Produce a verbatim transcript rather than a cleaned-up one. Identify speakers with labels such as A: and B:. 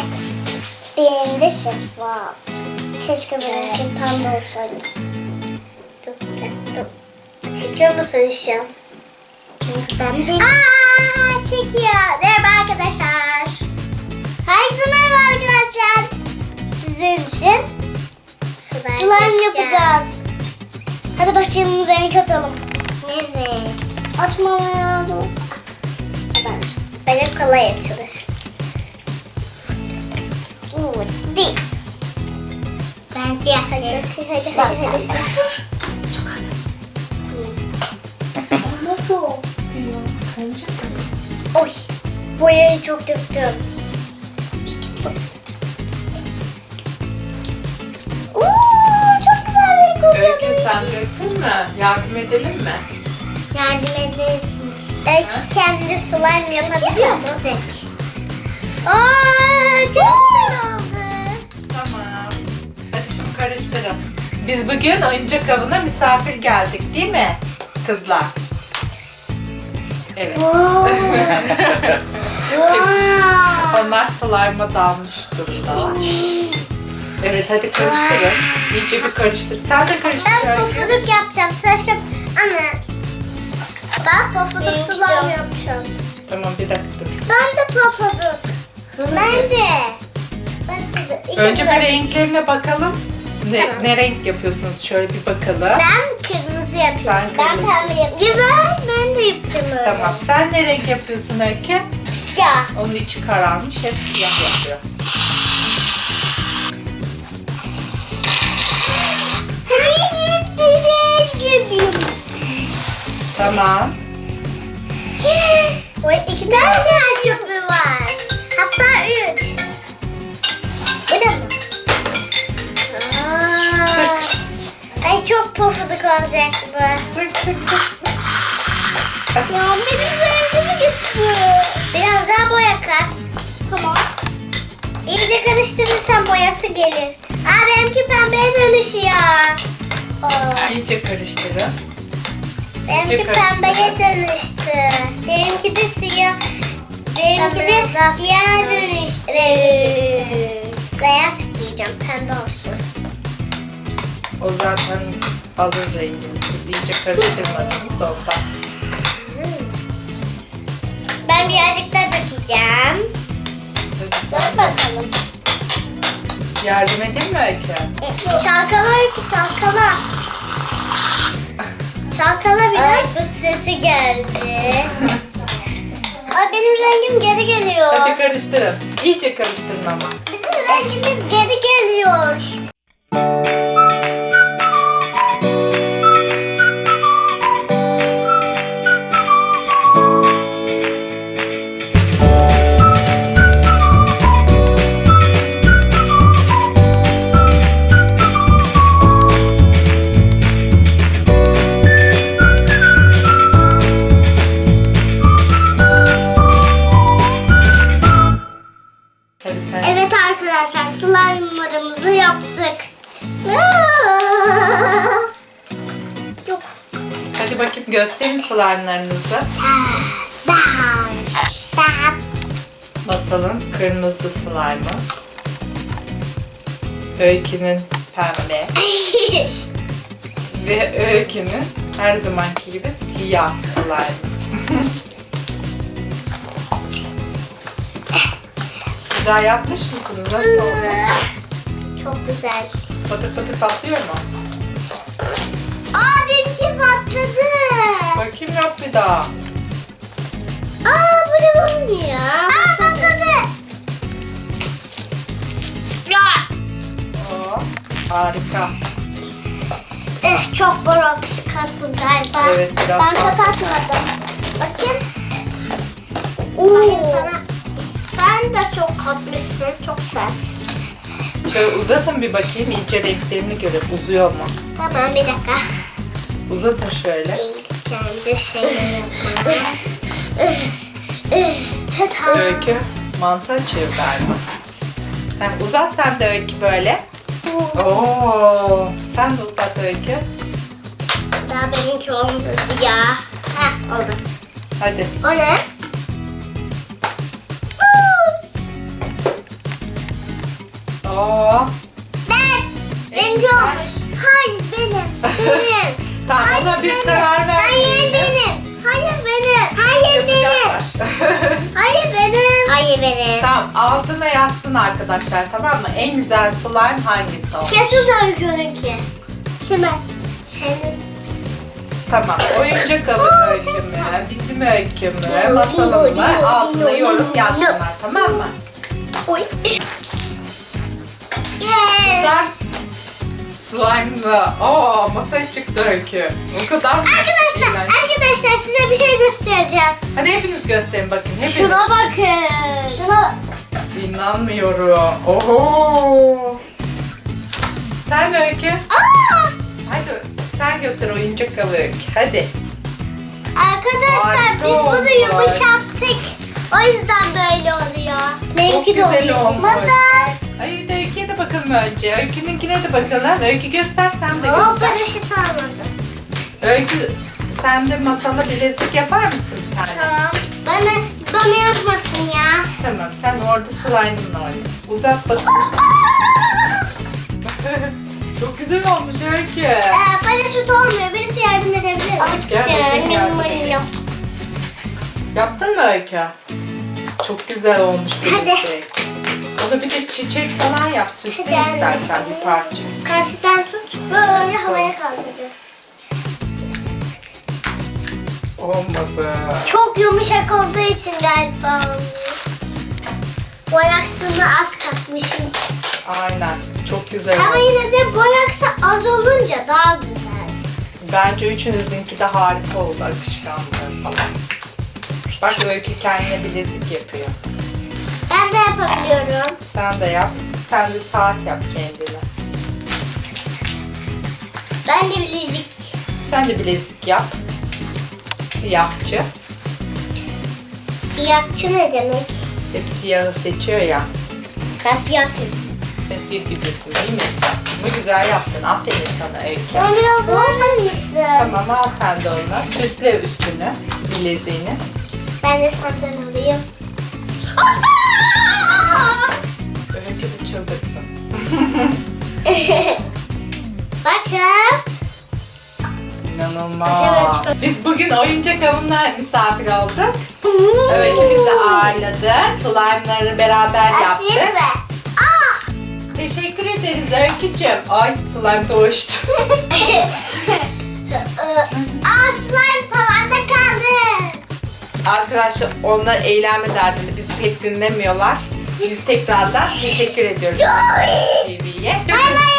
A: benim de şeffaf. Keşke benimki pembe olsaydı. Dur, dur. Çekiyor musun şu an? Ben de... Aaa çekiyor. Merhaba arkadaşlar. Herkese merhaba arkadaşlar. Sizin için slime, slime yapacağız. Hadi başlayalım, renk atalım. Ne renk? Açmam lazım. Bence. Benim kolay açılır. Uuu değil. Ben siyah hadi. Hadi hadi hadi. hadi. Nasıl oluyor? Oy. Boyayı çok döktüm. Çok Uuu çok güzel renk oluyor.
B: Öykü sen döktün mü? Yardım edelim mi?
A: Yardım edesiniz. Öykü kendi slime yapabiliyor mu? Dök. Aaa çok güzel oldu.
B: Tamam. Hadi şimdi karıştırın. Biz bugün oyuncak avına misafir geldik değil mi kızlar? Evet. Onlar slime'a dalmış durumda. Evet hadi karıştırın. İyice bir karıştır. Sen de karıştır.
A: Ben
B: Öykü.
A: pofuduk yapacağım. Saçma. Anne. Ben pofuduk slime yapacağım.
B: Tamam bir dakika dur.
A: Ben de pofuduk. Ben de. Ben size. İlk
B: Önce bir
A: ben-
B: renklerine bakalım. Ne,
A: Tamam.
B: ne renk yapıyorsunuz? Şöyle bir bakalım.
A: Ben kırmızı yapıyorum.
B: Sen
A: Ben
B: kırmızı.
A: pembe yapıyorum. Ya ben, ben de yapacağım öyle.
B: Tamam. Sen ne renk yapıyorsun Öykü?
A: Ya.
B: Onun içi kararmış. Hep siyah yapıyor. Tamam.
A: Oy, iki tane ters köpüğü var. Hatta üç. Bir de mi? Aa, ay çok pofuduk olacak bu.
B: Sık sık sık sık.
A: Ya benim rengimi gitti. Biraz daha boya kat. Tamam. İyice karıştırırsan boyası gelir. Aa benimki pembeye dönüşüyor. Aa,
B: İyice karıştırın.
A: benimki
B: İyice
A: pembeye
B: karıştırın.
A: dönüştü. Benimki de siyah. Benimki de siyah dönüştü. Beyaz giyeceğim, pembe olsun.
B: O zaten alır rengini. Siz iyice karıştırmadınız ondan.
A: Ben birazcık daha dökeceğim. Dur bakalım.
B: Yardım edeyim mi Öykü?
A: Çalkala Öykü, çalkala. Çalkala biraz. Ay bu sesi geldi. Ay benim rengim geri geliyor.
B: Hadi karıştırın. İyice karıştırın ama.
A: Bizim rengimiz geri geliyor.
B: Hadi sen.
A: Evet arkadaşlar, slime'larımızı yaptık. Yok.
B: Hadi bakayım gösterin slime'larınızı. Masalın kırmızı slime'ı. Öykünün pembe. Ve Öykünün her zamanki gibi siyah slime. Güzel yapmış mısınız? Nasıl oluyor?
A: Çok güzel.
B: Patır patır patlıyor mu?
A: Aa benimki patladı.
B: Bakayım yap bir daha.
A: Aa bu ne olmuyor? Aa patladı. Ya.
B: Oo, harika.
A: Eh, çok borax kattım galiba.
B: Evet, biraz
A: Ben
B: fazla.
A: kapatmadım. Bakayım. Oo. Sana. Sen de çok katmışsın. Çok sert.
B: Şöyle uzatın bir bakayım iyice renklerini görün. Uzuyor mu?
A: Tamam bir dakika.
B: Uzatın şöyle.
A: Kendi şeyleri yapalım. Tata.
B: Öykü mantı açıyor galiba. Heh, uzat sen de Öykü böyle. Oo, sen de uzat Öykü.
A: Daha benimki olmadı ya. Heh oldu.
B: Hadi.
A: O ne?
B: Oo.
A: Ben. Benimki
B: güzel.
A: olmuş. Hayır benim. Benim.
B: Tamam
A: Hayır,
B: ona biz
A: benim.
B: karar vermeyelim.
A: Hayır benim. Hayır benim. Hayır
B: Sıcak
A: benim.
B: var.
A: Hayır benim. Hayır benim.
B: Tamam altına yazsın arkadaşlar, tamam mı? En güzel slime hangisi oldu?
A: Kesin öykününki. Şimdi senin.
B: Tamam. Oyuncak avın öykü mü? Bizim öykü mü? Masalın mı? Altına yorum yazsınlar, tamam mı?
A: Oy.
B: Güzel
A: Yes.
B: slime'lı. Oo, masaya çıktı öykü. O kadar mı?
A: Arkadaşlar,
B: İğrenç.
A: arkadaşlar size bir şey göstereceğim.
B: Hadi hepiniz gösterin bakın. Hepiniz.
A: Şuna bakın. Şuna.
B: İnanmıyorum. Oho. Sen öykü.
A: Aa!
B: Hadi sen göster oyuncak avı öykü. Hadi.
A: Arkadaşlar
B: Harika
A: biz bunu
B: olmuş.
A: yumuşattık. O yüzden böyle oluyor.
B: Çok
A: Benimki de
B: güzel
A: oluyor.
B: olmuş.
A: Masal.
B: Ay de öyküye de bakalım önce. Öykününkine de bakalım. Öykü göster, sen de
A: O
B: göster.
A: paraşüt almadı.
B: Öykü sen de masala bilezik yapar mısın bir tane?
A: Tamam. Bana, bana yapmasın ya.
B: Tamam, sen orada slime'ınla oyna. Uzat bakalım. Çok güzel olmuş Öykü.
A: Ee, paraşüt olmuyor. Birisi yardım edebilir mi?
B: Gel bakayım, yardım
A: Benim
B: edeyim.
A: yok.
B: Yaptın mı Öykü? Çok güzel olmuş
A: Hadi.
B: bilezik. Onu bir de çiçek falan yap. Süsle
A: Hadi anne.
B: istersen bir parça.
A: Karşıdan tut. Böyle havaya kaldıracağız.
B: Olmadı.
A: Çok yumuşak olduğu için galiba olmuyor. Boraksını az katmışım.
B: Aynen. Çok güzel
A: Ama
B: oldu.
A: yine de boraksı az olunca daha güzel.
B: Bence üçünüzünki de harika oldu, akışkanlığı falan. Bak Öykü kendine bilezik yapıyor.
A: Ben de yapabiliyorum.
B: Sen de yap. Sen de saat yap kendine.
A: Ben de bilezik.
B: Sen de bilezik yap. Siyahçı.
A: Siyahçı ne demek?
B: Hep siyahı seçiyor ya.
A: Ben siyah seviyorum.
B: Sen siyah seviyorsun değil mi? Bunu güzel yaptın. Aferin sana Öykü.
A: Sen biraz zorlar mısın?
B: Tamam, al sen de onu. Süsle üstünü. Bileziğini.
A: Ben de senden alayım.
B: Öykü de çıldırsın.
A: Bakın.
B: İnanılmaz.
A: Evet.
B: Biz bugün oyuncak avına misafir olduk. Öykü bizi ağırladı. Slime'ları beraber
A: Açayım
B: yaptık.
A: mı? Aa!
B: Teşekkür ederiz Öykücüğüm. Ay slime doğuştu.
A: Aa slime falan da kaldı.
B: Arkadaşlar onlar eğlenme derdinde bizi pek dinlemiyorlar. Biz tekrardan teşekkür ediyoruz
A: Joy!
B: T V'ye.
A: Bay bay